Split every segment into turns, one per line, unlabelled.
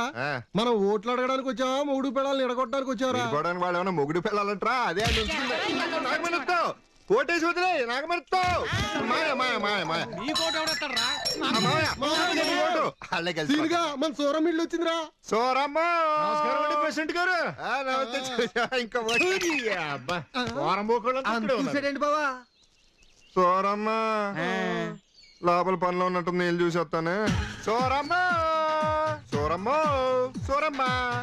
మనం ఓట్లు అడగడానికి వచ్చావా మొగుడు పిల్లల్ని ఎడగొట్టడానికి వచ్చావరా?
వాళ్ళు ఏమన్నా మొగుడు పిల్లలంటరా? అదే కోటేసి వదిలే నాగమరుతావు.
మన సూరం ఇల్లు వచ్చిందిరా.
సోరమ్మ
ప్రెసిడెంట్ గారు
ఇంకా
చూసాడండి బావా.
సోరమ్మ లోపల పనిలో ఉన్నట్టు నేను చూసి వస్తాను. సోరమ్మ సోరమ్మ సోరమ్మ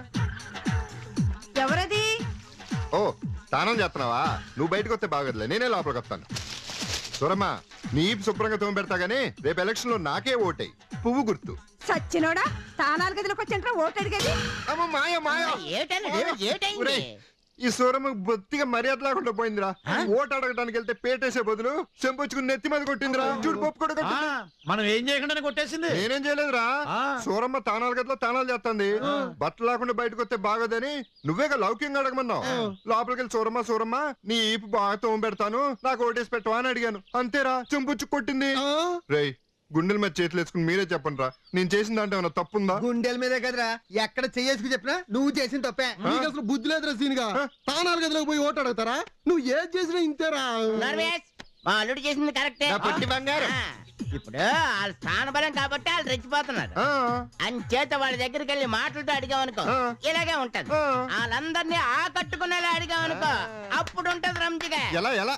ఎవరది?
ఓ స్నానం చేస్తున్నావా? నువ్వు బయటకు వస్తే బాగోదులే, నేనే లోపలికి వస్తాను. సూరమ్మ నీ శుభ్రంగా తోమ పెడతా గానీ రేపు ఎలక్షన్ లో నాకే ఓటేయి. పువ్వు గుర్తు.
సచ్చినోడా, తానాలు గదిలోకి వచ్చంటారా ఓటు అడిగేది?
అమ్మ మాయ మాయ. ఈ సూరమ్మ బొత్తిగా మర్యాద లేకుండా పోయిందిరా. ఓటు అడగడానికి వెళ్తే పేటేసే బదులు చెంపొచ్చుకుని నెత్తి మీద కొట్టిందిరా. చూడు పప్పు కూడా
మనం ఏం చేయకుండా కొట్టేసింది.
నేనేం చేయలేదురా. సూరమ్మ తానాలు గదిలో తానాలు చేస్తుంది. బట్టలు లేకుండా బయటకు వస్తే బాగోదని నువ్వేగా లౌక్యంగా అడగమన్నావు. లోపలికి వెళ్ళి సూరమ్మ సూరమ్మ నీ ఈపు బాగా తోమ పెడతాను, నాకు ఓటేసి పెట్టవా అని అడిగాను. అంతేరా, చెంపొచ్చు కొట్టింది. రేయ్ గుండెల మీద చేతులు వేసుకుని మీరే చెప్పండి రా, నేను చేసిన దాంట్లో ఏమన్నా తప్పుందా?
గుండెల మీదే కదరా, ఎక్కడ చెయ్యేసుకు చెప్పినా నువ్వు చేసిన తప్పే. నీకు అసలు బుద్ధి లేదురా సీన్గా. తానాలు గదిలోకి పోయి ఓటు అడుగుతారా? నువ్వు ఏది చేసినా ఇంతేరా.
మా అల్లుడు చేసింది కరెక్టే.
బంగారు
ఇప్పుడు వాళ్ళ స్థాన బలం కాబట్టి వాళ్ళు రెచ్చిపోతున్నారు. అంచేత వాళ్ళ దగ్గరికి వెళ్ళి మాటలతో అడిగామనుకో ఇలాగే ఉంటది. వాళ్ళందరినీ ఆకట్టుకునేలా అడిగామనుకో అప్పుడు ఉంటది రంజిగా.
ఎలా ఎలా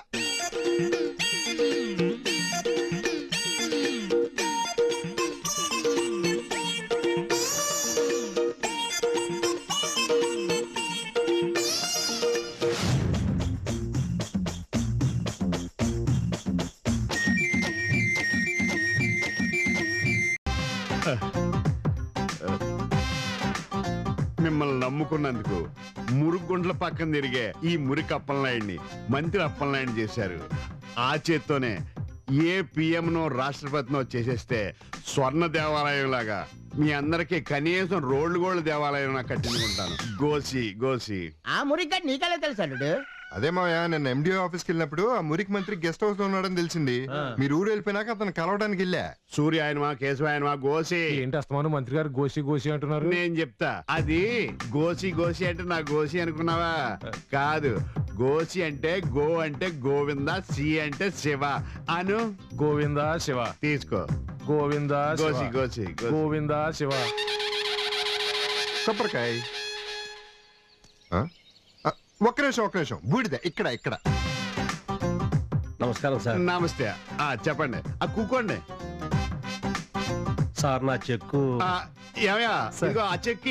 మిమ్మల్ని నమ్ముకున్నందుకు మురుగుండ్ల పక్కన తిరిగే ఈ మురికి అప్పలనాయుడిని మంత్రి అప్పలనాయుడు చేశారు. ఆ చేత్తోనే ఏ పిఎంనో రాష్ట్రపతినో చేసేస్తే స్వర్ణ దేవాలయం లాగా మీ అందరికి కనీసం రోడ్లు గోళ్ళ దేవాలయం కట్టించుకుంటాను. గోసి గోసి
ఆ మురిగ్గా నీకెలా తెలుసు అల్లుడు?
అదే మాయా, నేను ఎండిఓ ఆఫీస్కి వెళ్ళినప్పుడు ఆ మురికి మంత్రి గెస్ట్ హౌస్ లో ఉన్నాడని తెలిసింది. మీరు ఊరు వెళ్ళిపోయినాక అతను కలవడానికి వెళ్ళా.
సూర్య ఆయనమా కేశవ ఆయనమా గోసి
ఏంటి అస్తమానం మంత్రి గారు గోసి గోసి అంటున్నారు?
నేను చెప్తా. అది గోసి గోసి అంటే నా గోసి అనుకున్నావా? కాదు, గోసి అంటే గో అంటే గోవింద, సి అంటే శివ అను.
గోవింద శివ
తీసుకో.
గోవింద
గోసి గోసి
గోవింద శివ.
కొబ్బరికాయ. ఒక్క నిమిషం బూడిద ఇక్కడ ఇక్కడ.
నమస్కారం సార్.
నమస్తే. చెప్పండి. కూకోండి
సార్. నా చెక్కు
ఏమయ్యా, ఇదిగో ఆ చెక్కి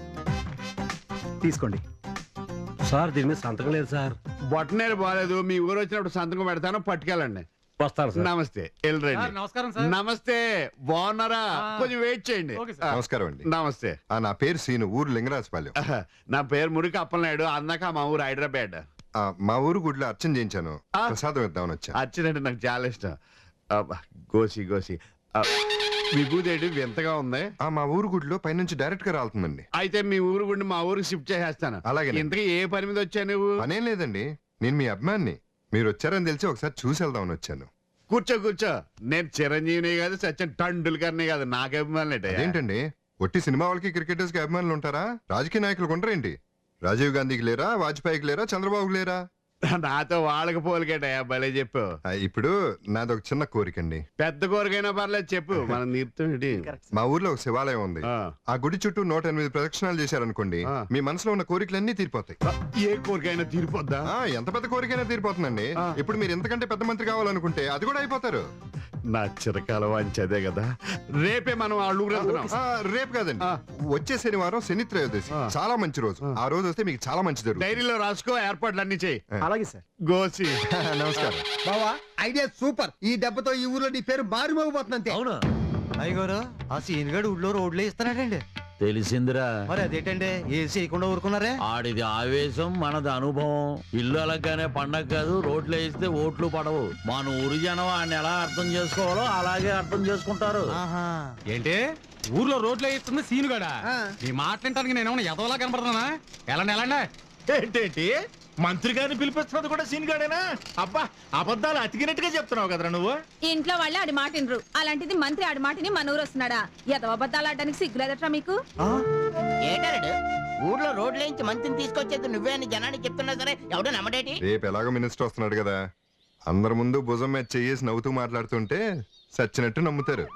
తీసుకోండి సార్. దీని మీద సంతకం లేదు సార్.
బొట్టనేరు బాగాలేదు. మీ ఊరు వచ్చినప్పుడు సంతకం పెడతాను, పట్టుకెళ్ళండి.
వస్తాను సార్.
నమస్తే. వెళ్ళరండి.
నమస్కారం సార్.
నమస్తే. బాగున్నారా? కొంచెం వెయిట్ చేయండి.
నమస్కారం అండి.
నమస్తే.
నా పేరు సీను, ఊరు లింగరాజపాలెం.
నా పేరు మురికి అప్పలనాయుడు. అన్నాక మా ఊరు హైదరాబాద్.
మా ఊరు గుడిలో అర్చన చేయించాను, ప్రసాదం ఇద్దామని వచ్చా.
అర్చనంటే నాకు చాలా ఇష్టం. గోసి గోసి విభూదేవి వింతగా ఉంది.
మా ఊరు గుడిలో పైనుంచి డైరెక్ట్ గా రాలుతుందండి.
అయితే మీ ఊరు గుడి మా ఊరికి షిఫ్ట్ చేసేస్తాను.
అలాగే.
ఇంతకీ ఏ పని మీద వచ్చా నువ్వు?
పనేం లేదండి, నేను మీ అభిమాన్ని. మీరు వచ్చారని తెలిసి ఒకసారి చూసి వెళ్దామని వచ్చాను.
కూర్చో కూర్చో. నేను చిరంజీవిని కాదు, సచిన్ టండూల్కర్ని కాదు. నాకు అభిమానులు
ఏంటండి, ఒట్టి సినిమా వాళ్ళకి క్రికెటర్స్ కి అభిమానులు ఉంటారా? రాజకీయ నాయకులు ఉంటారేంటి? రాజీవ్ గాంధీకి లేరా, వాజ్పేయికి లేరా, చంద్రబాబుకి లేరా?
నాతో వాళ్ళకి పోలికేటయా, భలే చెప్పు.
ఇప్పుడు నాదొక చిన్న కోరికండి.
పెద్ద కోరికైనా పర్లేదు చెప్పు. మనం నీరుతుంది.
మా ఊర్లో ఒక శివాలయం ఉంది. ఆ గుడి చుట్టూ 108 ప్రదక్షిణాలు చేశారనుకోండి, మీ మనసులో ఉన్న కోరికలన్నీ తీరిపోతాయి.
ఏ కోరికైనా తీరిపోద్దా?
ఎంత పెద్ద కోరికైనా తీరిపోతుందండి. ఇప్పుడు మీరు ఎంతకంటే పెద్ద మంత్రి కావాలనుకుంటే అది కూడా అయిపోతారు.
నా చిరకాల వాంచదే కదా. రేపే మనం ఆ ఊరు వెళ్తున్నాం.
రేపు కాదండి, వచ్చే శనివారం శని త్రయోదశి, చాలా మంచి రోజు. ఆ రోజు వస్తే మీకు చాలా మంచి జరుగుతుంది.
డైరీలో రాసుకో, ఏర్పాట్లు అన్ని చేయి.
అలాగే సార్.
గోసి
నమస్కారం
బావా. Idea super. ఈ దెబ్బతో ఈ ఊర్లో నీ పేరు మారిమోగిపోతుంది అంతే.
అవును
అయ్యగారు, ఆ సీన్ గడు ఊళ్ళో రోడ్లే ఇస్తున్నాడండి.
తెలిసిందిరా.
మరి అదేంటండి ఏసీ చేయకుండా ఊరుకున్నారే?
ఆడిది ఆవేశం, మనది అనుభవం. ఇల్లు అలాగానే పండగ కాదు, రోడ్లు వేస్తే ఓట్లు పడవు. మన ఊరి జనం ఆయన ఎలా అర్థం చేసుకోవాలో అలాగే అర్థం చేసుకుంటారు.
ఏంటి ఊర్లో రోడ్లు వేయిస్తుంది సీనుగాడా? ఈ మాట్లాడటానికి నేను ఏమన్నా ఎదవలా కనపడుతున్నా? ఎలాండి
ఏంటేంటి మంత్రి గారిని పిలిపిస్తున్నది కూడా సీన్ గాడేనా? అబ్బా, అబద్ధాలు అతికినట్టుగా చెప్తున్నావు కదరా నువ్వు.
ఇంట్లో వాళ్ళే ఆడి మాట వినరు, అలాంటిది మంత్రి ఆడి మాటని మన ఊరు వస్తున్నాడా? ఎదవ అబద్ధాలు ఆడడానికి సిగ్గులేదట్రా మీకు?
ఏటాడు ఊర్లో రోడ్లేంచి మంచిని తీసుకొచ్చేది నువ్వే అని జనానికి చెప్తున్నా సరే ఎవడో నమ్మడేటి?
రేపు ఎలాగో మినిస్టర్ వస్తున్నాడు కదా, అందరి ముందు భుజం మీద చెయ్యేసి నవ్వుతూ మాట్లాడుతుంటే సచ్చినట్టు నమ్ముతారు.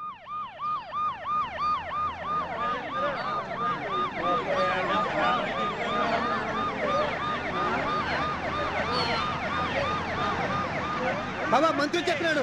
బాబా మంత్రి చెప్పినాడు.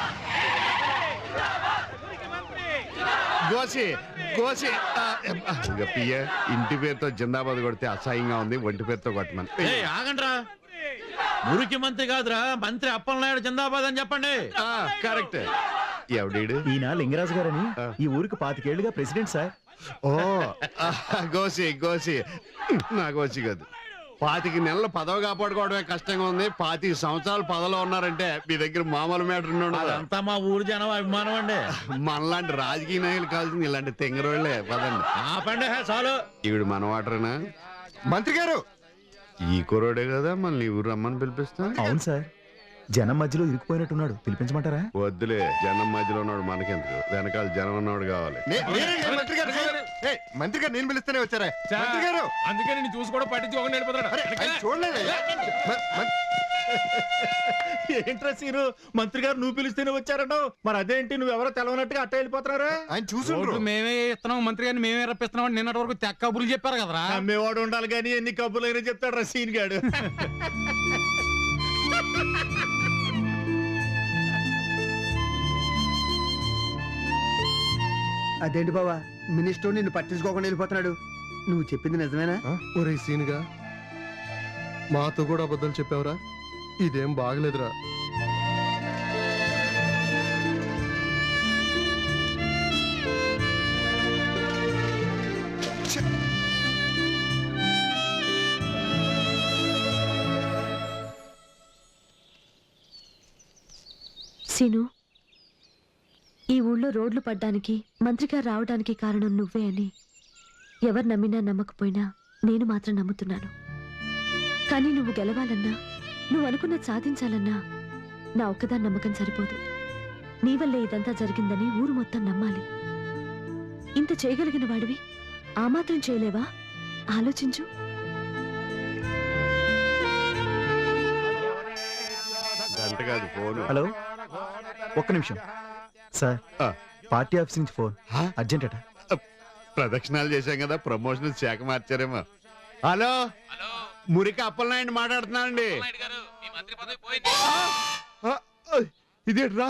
గోసి గోసి ఇంకా పియ్య ఇంటి పేరుతో జిందాబాద్ కొడితే అసహ్యంగా ఉంది, ఒంటి పేరుతో కొట్టమని.
ఆగండ్రా, మురికి మంత్రి కాదురా, మంత్రి అప్పలనాయుడు జిందాబాద్ అని చెప్పండి.
కరెక్ట్. ఎవడీడు?
ఈయన లింగరాజు గారని ఈ ఊరికి 25 ఏళ్లుగా ప్రెసిడెంట్ సార్.
ఓ గోసి గోసి నా గోసి కాదు. 25 నెలలు పదవి కాపాడుకోవడమే కష్టంగా ఉంది, 25 సంవత్సరాలు పదవిలో ఉన్నారంటే మీ దగ్గర మామూలు మ్యాటర్.
అదంతా మా ఊరు జనం అభిమానం అండి.
మనలాంటి రాజకీయ నాయకులు కావాల్సింది ఇలాంటి తెంగరోళ్లే. పదండి.
ఆపండి చాలు.
ఈవిడ మన వాటరేనా?
మంత్రి గారు,
ఈ కురోడే కదా మళ్ళీ ఊరు రమ్మని పిలిపిస్తా.
అవును సార్, జనం మధ్యలో ఇరుక్కుపోయినట్టున్నాడు, పిలిపించమంటారా?
వద్దులే, జనం మధ్యలో ఉన్నాడు మనకెందుకు, వెనకాల జనం ఉన్నాడు కావాలి.
మంత్రి గారు, మంత్రి గారు నేను పిలుస్తూనే వచ్చారా మంత్రి గారు?
అందుకే నేను చూసి కూడా పట్టించుకోకుండా వెళ్ళిపోతాడు.
ఆయన చూడలేదు.
ఏంట్రా సీను, మంత్రి గారు నువ్వు పిలిస్తేనే వచ్చారన్నావు, మరి అదేంటి నువ్వెవరో తెలవనట్టుగా అట్ట వెళ్ళిపోతున్నారా?
ఆయన చూసుండ్రు.
మేమే ఇస్తున్నాం, మంత్రి గారిని మేమే రప్పిస్తున్నాం అని నిన్నటి వరకు తెక్క కబుర్లు చెప్పారు కదరా.
అమ్మేవాడు ఉండాలి కానీ ఎన్ని కబుర్లు అయినా చెప్తాడు రా సీన్ గాడు.
అదేంటి బావా, మినిస్టర్ నిన్ను పట్టించుకోకుండా వెళ్ళిపోతున్నాడు? నువ్వు చెప్పింది నిజమేనా?
ఒరే సీనుగా, మాతో కూడా అబద్ధాలు చెప్పావురా, ఇదేం బాగలేదురా.
సీను, ఈ ఊళ్ళో రోడ్లు పడ్డానికి మంత్రిగారు రావడానికి కారణం నువ్వే అని ఎవరు నమ్మినా నమ్మకపోయినా నేను మాత్రం నమ్ముతున్నాను. కానీ నువ్వు గెలవాలన్నా, నువ్వు అనుకున్నది సాధించాలన్నా నా ఒక్కదాని నమ్మకం సరిపోదు. నీ వల్లే ఇదంతా జరిగిందని ఊరు మొత్తం నమ్మాలి. ఇంత చేయగలిగిన వాడివి ఆ మాత్రం చేయలేవా? ఆలోచించు.
గంట కాదు ఫోన్.
హలో, ఒక్క నిమిషం సార్, పార్టీ ఆఫీస్ నుంచి ఫోన్, అర్జెంట్ అట.
ప్రదక్షిణాలు చేశాం కదా, ప్రమోషన్ శాఖ మార్చారేమో. హలో, మురికి అప్పలనాయుడు మాట్లాడుతున్నానండి. ఇదేట్రా?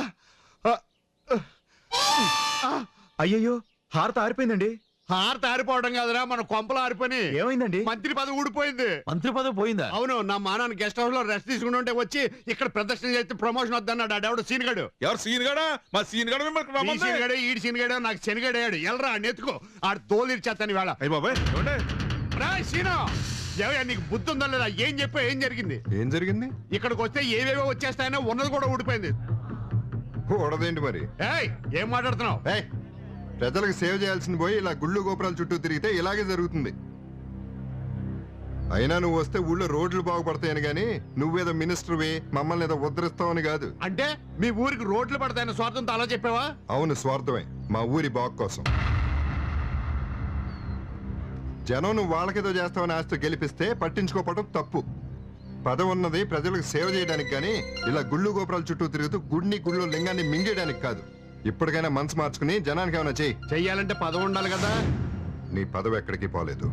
అయ్యయ్యో, హారత ఆరిపోయిందండి.
హారత ఆరిపోవడం కాదురా, మన కొంపలు ఆరిపోయి.
ఏమైందండి?
మంత్రి పదవి ఊడిపోయింది.
మంత్రి పదవి పోయిందా?
అవును, నా మానాన్ని గెస్ట్ హౌస్ లో రెస్ట్ తీసుకుని ఉంటే వచ్చి ఇక్కడ ప్రదర్శన చేస్తే ప్రమోషన్ వద్దన్నాడు. ఆడెవడు సీన్గాడు.
ఎవరు సీన్గాడా? మా సీన్గాడు
ఈ సీన్గాడే, ఈడి సీన్గాడే, నాకు శనిగాడాడు. ఎల్రా నెత్తుకో, ఆడు తోలు ఇచ్చేస్తాను వేళ. సీను, ఎవయ్యా నీకు బుద్ధి ఉందా లేదా? ఏం చెప్పా, ఏం జరిగింది?
ఏం జరిగింది?
ఇక్కడికి వస్తే ఏవేవో వచ్చేస్తాయనో ఉన్నది కూడా ఊడిపోయింది.
కూడదేంటి మరి?
ఏయ్, ఏం మాట్లాడుతున్నావు?
ప్రజలకు సేవ చేయాల్సింది పోయి ఇలా గుళ్ళు గోపురాల చుట్టూ తిరిగితే ఇలాగే జరుగుతుంది. అయినా నువ్వు వస్తే ఊళ్ళో రోడ్లు బాగుపడతాయని గాని నువ్వేదో మినిస్టర్వి మమ్మల్ని ఏదో ఉద్ధరిస్తావని కాదు.
అంటే మీ ఊరికి రోడ్లు పడతాయన్న స్వార్థంతో అలా చెప్పావా?
అవును, స్వార్థమే, మా ఊరి బాగు కోసం. జనం నువ్వు వాళ్ళకేదో చేస్తావని ఆస్తి గెలిపిస్తే పట్టించుకోవడం తప్పు. పదవి ఉన్నది ప్రజలకు సేవ చేయడానికి గాని ఇలా గుళ్ళు గోపురాల చుట్టూ తిరుగుతూ గుడిని గుళ్ళో లింగాన్ని మింగేయడానికి కాదు. ఇప్పటికైనా మనసు మార్చుకుని జనానికి ఏమైనా
చెయ్యాలంటే పదవి ఉండాలి కదా.
నీ పదవి ఎక్కడికి పోలేదు.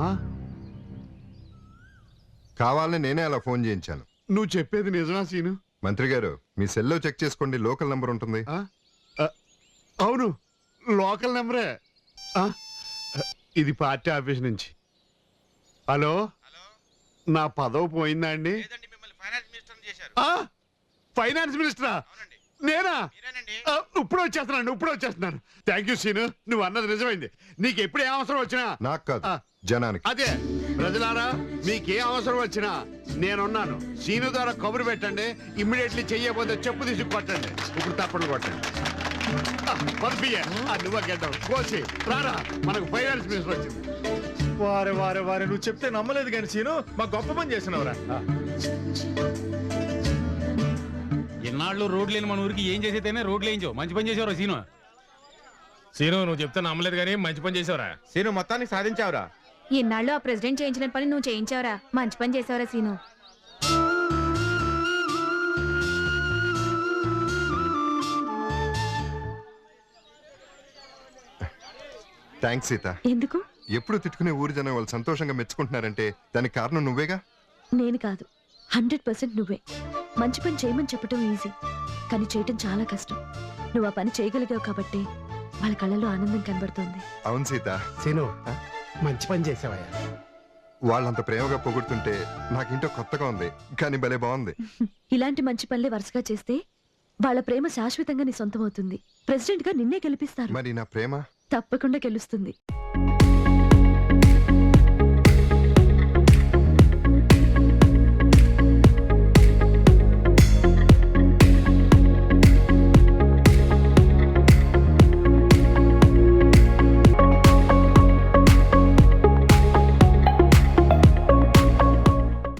కావాలని నేనే అలా ఫోన్ చేయించాను.
నువ్వు చెప్పేది నిజమా సీను?
మంత్రి గారు, మీ సెల్లో చెక్ చేసుకోండి, లోకల్ నంబర్ ఉంటుంది.
అవును, లోకల్ నెంబరే. ఇది పార్టీ ఆఫీస్ నుంచి. హలో, నా పదవి పోయిందా అండి? ఫైనాన్స్ మినిస్టరా? నేనా? ఇప్పుడు వచ్చేస్తున్నాను. థ్యాంక్ యూ సీను, నువ్వు అన్నది నిజమైంది. నీకు ఎప్పుడు ఏ అవసరం వచ్చినా.
నాకు కాదు, జనానికి.
అదే ప్రజలారా, మీకే అవసరం వచ్చినా నేనున్నాను. సీను ద్వారా కబురు పెట్టండి, ఇమ్మీడియట్లీ చెయ్యబోతే చెప్పు తీసి కొట్టండి. ఇప్పుడు తప్పని కొట్టండి. నువ్వు గెడ్డం కోసి రారా, మనకు ఫైనాన్స్ మినిస్టర్ వచ్చింది.
వారే నువ్వు చెప్తే నమ్మలేదు కానీ సీను, మా గొప్ప పని చేసినవరా.
ఎన్నాళ్ళు రోడ్లు లేని మన ఊరికి ఏం చేసేదైనా రోడ్లు వేయించావు, మంచి పని చేసేవారు సీను. సీను నువ్వు చెప్తే నమ్మలేదు కానీ మంచి పని చేసావురా.
సీను మొత్తానికి సాధించావురా.
ఇన్నాళ్ళు ఆ ప్రెసిడెంట్ చేయించిన పని నువ్వు చేయించావురా. మంచి పని చేసావురా సీను.
థ్యాంక్స్ సీత.
ఎందుకు?
ఎప్పుడు తిట్టుకునే ఊరి జనం వాళ్ళు సంతోషంగా మెచ్చుకుంటున్నారంటే దానికి కారణం నువ్వేగా.
నేను కాదు, 100% నువ్వే. మంచి పని చేయమని చెప్పటం ఈజీ, కానీ చేయటం చాలా కష్టం. నువ్వు ఆ పని చేయగలిగావు కాబట్టి వాళ్ళ కళ్ళలో ఆనందం కనబడుతోంది.
అవును సీత.
సీను మంచి పని చేసావయ్యా.
వాళ్ళంత ప్రేమగా పొగుడుతుంటే నాకింటో కొత్తగా ఉంది, కానీ భలే బాగుంది.
ఇలాంటి మంచి పనులే వరుసగా చేస్తే వాళ్ళ ప్రేమ శాశ్వతంగా నీ సొంతం అవుతుంది. ప్రెసిడెంట్ గా నిన్నే గెలిపిస్తారు.
మరి నా ప్రేమ
తప్పకుండా గెలుస్తుంది.